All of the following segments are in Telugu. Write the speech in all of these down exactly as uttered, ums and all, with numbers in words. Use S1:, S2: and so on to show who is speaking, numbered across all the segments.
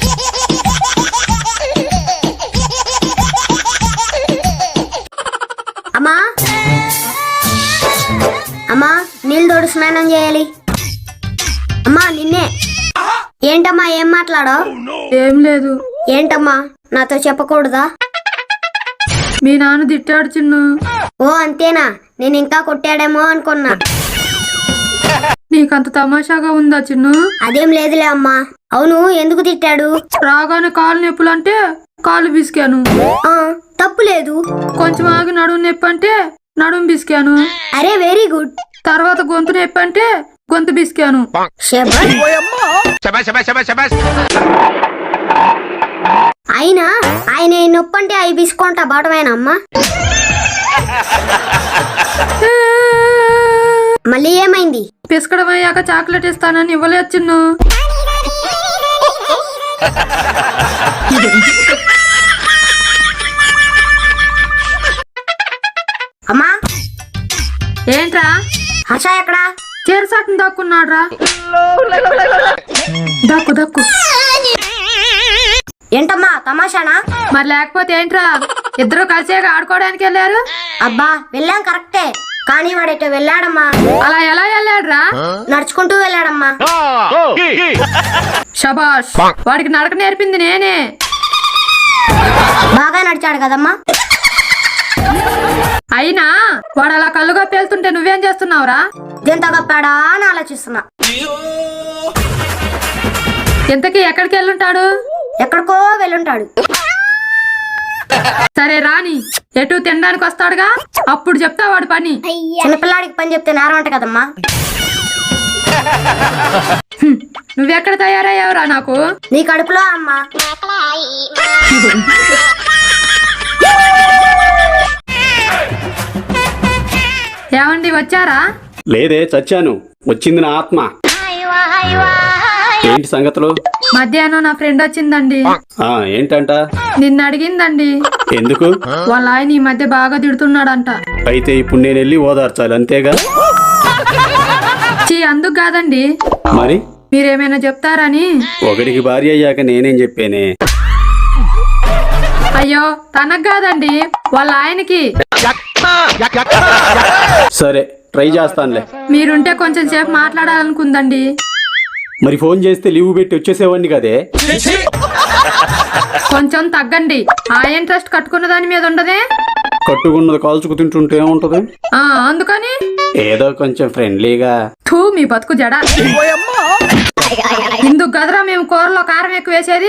S1: అమ్మా అమ్మా నీళ్ళు తోడు స్నానం చేయాలి. అమ్మా నిన్నే. ఏంటమ్మా ఏం మాట్లాడో?
S2: ఏం లేదు.
S1: ఏంటమ్మా నాతో చెప్పకూడదా?
S2: మీ నాన్న తిట్టాడు చిన్ను.
S1: ఓ అంతేనా? నేను ఇంకా కొట్టాడేమో అనుకున్నా.
S2: నీకంత తమాషాగా ఉందా చిన్ను?
S1: అదేం లేదులే అమ్మా. అవును ఎందుకు తిట్టాడు?
S2: రాగానే కాలు నొప్పులు అంటే కాలు బిసికాను.
S1: ఆ తప్పు లేదు.
S2: కొంచెం ఆగి నడుము నొప్పి అంటే నడుము బిసికాను.
S1: అరే వెరీ గుడ్.
S2: తర్వాత గొంతు నొప్పి అంటే గొంతు బిసికాను.
S1: అయినా ఆయన నొప్పి అంటే అవి బిసుకుంటా బాటమేనమ్మా. మళ్ళీ ఏమైంది?
S2: పిసకడం అయ్యాక చాక్లెట్ ఇస్తానని ఇవ్వలేదు చిన్ను.
S1: అమ్మా
S2: ఏంట్రా?
S1: హర్ష ఎక్కడా?
S2: చేరసాటును దక్కున్నాడ్రా. దక్కు దక్కు.
S1: ఏంటమ్మా తమాషానా?
S2: మరి లేకపోతే ఏంట్రా? ఇద్దరు కలిసే ఆడుకోవడానికి వెళ్ళారు.
S1: అబ్బా వెళ్ళాం కరెక్టే, కానీ వాడెటో వెళ్ళాడమ్మా.
S2: అలా ఎలా వెళ్ళాడ్రా?
S1: నడుచుకుంటూ వెళ్ళాడమ్మా.
S2: శబాష్, వాడికి నడక నేర్పింది నేనే.
S1: బాగా నడిచాడు కదమ్మా.
S2: అయినా వాడు అలా కళ్ళుగా పేలుతుంటే నువ్వేం చేస్తున్నావురా?
S1: ఎంత గప్పాడా అని ఆలోచిస్తున్నా.
S2: ఇంతకీ ఎక్కడికి వెళ్ళుంటాడు?
S1: ఎక్కడికో వెళ్ళుంటాడు.
S2: సరే రాని, ఎటు తినడానికి వస్తాడుగా, అప్పుడు చెప్తా వాడి పని.
S1: చిన్నపిల్లాడికి పని చెప్తే నేరం అంట కదమ్మా.
S2: నువ్వెక్కడ తయారయ్యావురా నాకు?
S1: నీ కడుపులో అమ్మా.
S2: ఏమండి వచ్చారా?
S3: లేదే, చచ్చాను. వచ్చింది నా ఆత్మ. ఏంటి సంగతులు?
S2: మధ్యాహ్నం నా ఫ్రెండ్ వచ్చిందండి.
S3: ఆ ఏంటంట?
S2: నిన్న అడిగిందండి.
S3: ఎందుకు?
S2: వాళ్ళ ఆయన ఈ మధ్య బాగా తిడుతున్నాడంట.
S3: అయితే ఇప్పుడు నేను వెళ్ళి ఓదార్చాలి అంతేగా?
S2: చీ అందుకు కాదండి.
S3: మరి
S2: మీరేమైనా చెప్తారని.
S3: ఒకడికి భార్య అయ్యాక నేనేం చెప్పానే?
S2: అయ్యో తనకు కాదండి, వాళ్ళ ఆయనకి.
S3: సరే ట్రై చేస్తానులే.
S2: మీరుంటే కొంచెం సేపు మాట్లాడాలనుకుందండి.
S3: మరి ఫోన్ చేస్తే లీవ్ పెట్టి వచ్చేసేవాడిని కదే.
S2: కొంచెం తగ్గండి. ఆ ఇంట్రెస్ట్ కట్టుకున్న దాని మీద ఉండదే.
S3: కట్టుకున్నది కాల్చుకు తింటుంటే ఏముంటది?
S2: ఆ అందుకని
S3: ఏదో కొంచెం ఫ్రెండ్లీగా.
S2: థూ మీ బతుకు జడ. ఇందుకు గదరా మేము కూరలో కారం ఎక్కువ వేసేది.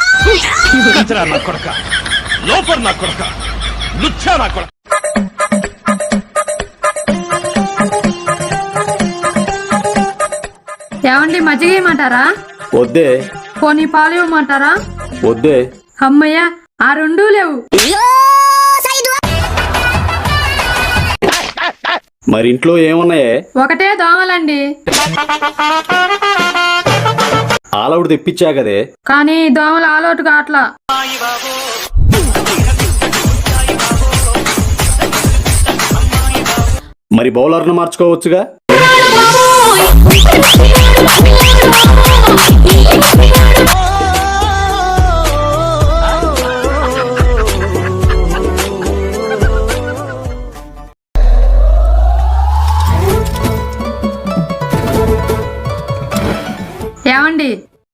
S2: ఏమండి మజ్జిగ ఇవ్వమంటారా?
S3: వద్దే.
S2: పోనీ పాలు ఇవ్వమంటారా?
S3: వద్దే.
S2: అమ్మయ్య ఆ రెండూ లేవు.
S3: మరి ఇంట్లో ఏమున్నాయే?
S2: ఒకటే దోమలండి.
S3: ఆలవుడు తెప్పించా కదే.
S2: కానీ దోమలు ఆలోటు కాట్లా.
S3: మరి బౌలర్ను మార్చుకోవచ్చుగా.
S2: ఏమండి?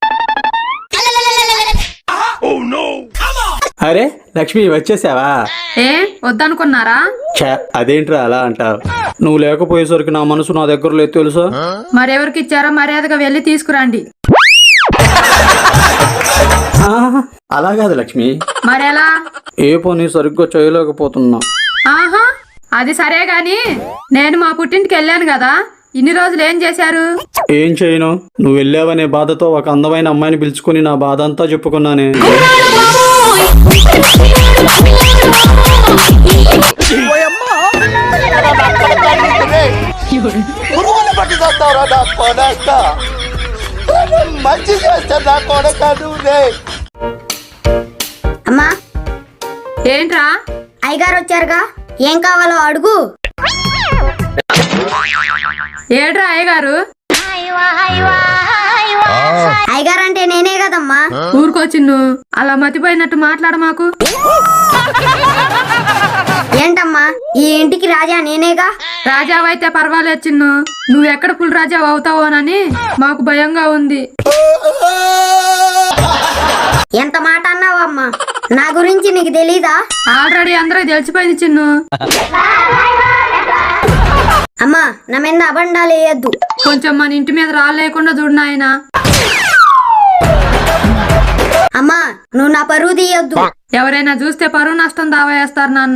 S3: అరే లక్ష్మి వచ్చేసావా?
S2: ఏ వద్దనుకున్నారా?
S3: అదేంట్రా అలా అంటావు? నువ్వు లేకపోయేసరికి నా మనసు నా దగ్గర లేదు తెలుసా?
S2: మరెవరికి ఇచ్చారో మర్యాదగా వెళ్ళి తీసుకురండి.
S3: అలా కాదు లక్ష్మి.
S2: మరెలా?
S3: ఏ పని సరిగ్గా చేయలేకపోతున్నా.
S2: ఆహా అది సరే గాని నేను మా పుట్టింటికి వెళ్ళాను కదా, ఇన్ని రోజులు ఏం చేశారు?
S3: ఏం చేయను, నువ్వు వెళ్ళావనే బాధతో ఒక అందమైన అమ్మాయిని పిలుచుకుని నా బాధ అంతా చెప్పుకున్నానే.
S1: అమ్మా
S2: ఏంట్రా?
S1: అయ్యగారు వచ్చారుగా, ఏం కావాలో అడుగు.
S2: ఏడ్రా అయ్యగారు?
S1: అయ్యగారు అంటే నేనే కదమ్మా.
S2: ఊరుకో చిన్ను, అలా మతిపోయినట్టు మాట్లాడ మాకు.
S1: ఏంటమ్మా ఈ ఇంటికి రాజా నేనేగా.
S2: రాజావైతే పర్వాలేదు చిన్ను, నువ్వెక్కడ పుల్ రాజా అవుతావోనని మాకు భయంగా ఉంది.
S1: ఎంత మాట అన్నావమ్మా, నా గురించి నీకు తెలీదా?
S2: ఆల్రెడీ అందరూ తెలిసిపోయింది చిన్ను.
S1: అమ్మా నా మీద అబండాలు వేయద్దు.
S2: కొంచెం మన ఇంటి మీద రాళ్ళు లేకుండా చూడు నాయనా.
S1: అమ్మా నువ్వు నా పరువు తీయొద్దు.
S2: ఎవరైనా చూస్తే పరువు నష్టం దావా వేస్తారు నాన్న.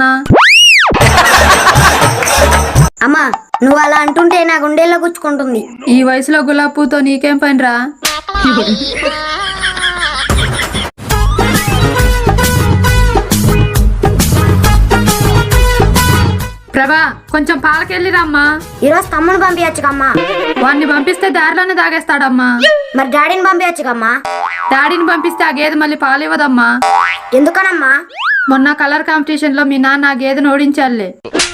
S1: అమ్మా నువ్వు అలా అంటుంటే నా గుండెల్లో గుచ్చుకుంటుంది.
S2: ఈ వయసులో గులాబీ పూతో నీకేం పనిరా. ప్రభా కొంచెం పాలకెళ్ళి రమ్మా.
S1: ఈరోజు తమ్ముని పంపించచ్చుకమ్మా.
S2: వాడిని పంపిస్తే దారిలోనే తాగేస్తాడమ్మా.
S1: మరి డాడీని పంపించచ్చుకమ్మా.
S2: డాడీని పంపిస్తే ఆ గేదె మళ్ళీ పాలు ఇవ్వదమ్మా.
S1: ఎందుకనమ్మా?
S2: మొన్న కలర్ కాంపిటీషన్ లో మీ నాన్న ఆ గేదెను ఓడించాలే.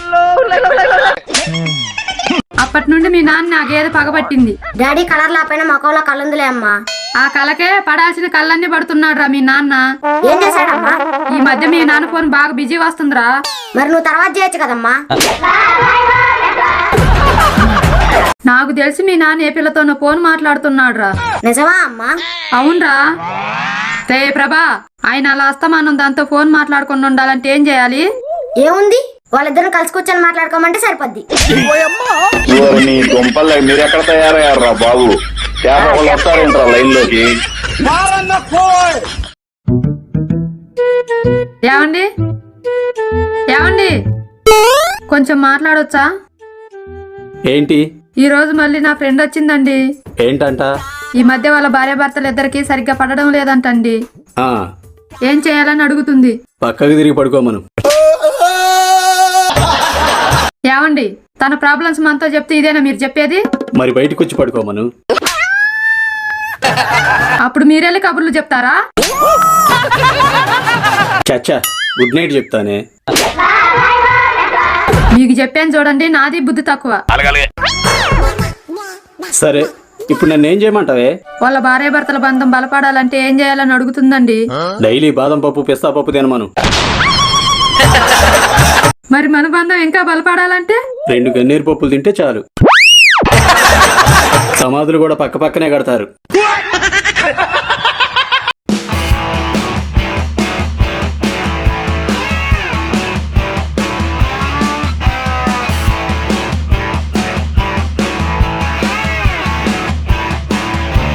S2: అప్పటి నుండి మీ నాన్న ఆ గేదె పగబట్టింది.
S1: డాడీ కలర్ లాపైన మొక్కలో కళ్ళుందిలే అమ్మా.
S2: ఆ కలకే పడాల్సిన కళ్ళన్నీ పడుతున్నాడు రా మీ నాన్న.
S1: ఏం చేశాడమ్మా?
S2: ఈ మధ్య మీ నాన్న ఫోన్ బాగా బిజీ వస్తుందిరా.
S1: మరి నువ్వు తర్వాత చేయొచ్చు కదమ్మా.
S2: నాకు తెలిసి మీ నాన్న ఏ పిల్లతోనో ఫోన్ మాట్లాడుతున్నాడు రా.
S1: నిజమా అమ్మా?
S2: అవునరా. రే ప్రభా, ఆయన అలా అస్తమానం దాంతో ఫోన్ మాట్లాడుకుని ఉండాలంటే ఏం చేయాలి?
S1: ఏముంది, వాళ్ళిద్దరు కలిసి కూర్చొని మాట్లాడుకోమంటే సరిపోద్ది.
S4: మీరు ఎక్కడ తయారయ్యారా బాబు? వస్తారంటారా లైన్ లోకి?
S2: ఏమండి ఏమండి కొంచెం మాట్లాడొచ్చా?
S3: ఏంటి?
S2: ఈ రోజు మళ్ళీ నా ఫ్రెండ్ వచ్చిందండి.
S3: ఏంటంట?
S2: ఈ మధ్య వాళ్ళ భార్య భర్తలు ఇద్దరికి సరిగ్గా పడడం లేదంటండి.
S3: ఆ
S2: ఏం చేయాలని అడుగుతుంది.
S3: పక్కకి తిరిగి పడుకోమను.
S2: ఏమండి తన ప్రాబ్లమ్స్ మనతో చెప్తే ఇదేనా మీరు చెప్పేది?
S3: మరి బయటకు వచ్చి పడుకోమను.
S2: అప్పుడు మీరెళ్ళి కబుర్లు చెప్తారా?
S3: చచ్చా గుడ్ నైట్ చెప్తానే.
S2: మీకు చెప్పాను చూడండి, నాది బుద్ధి తక్కువ.
S3: సరే ఇప్పుడు నన్ను ఏం చేయమంటావే?
S2: వాళ్ళ భార్య భర్తల బంధం బలపడాలంటే ఏం చేయాలని అడుగుతుందండి.
S3: డైలీ బాదం పప్పు పిస్తా పప్పు తినమను.
S2: మరి మన బంధం ఇంకా బలపడాలంటే
S3: రెండు గన్నేరు పప్పులు తింటే చాలు. సమాధులు కూడా పక్క పక్కనే కడతారు.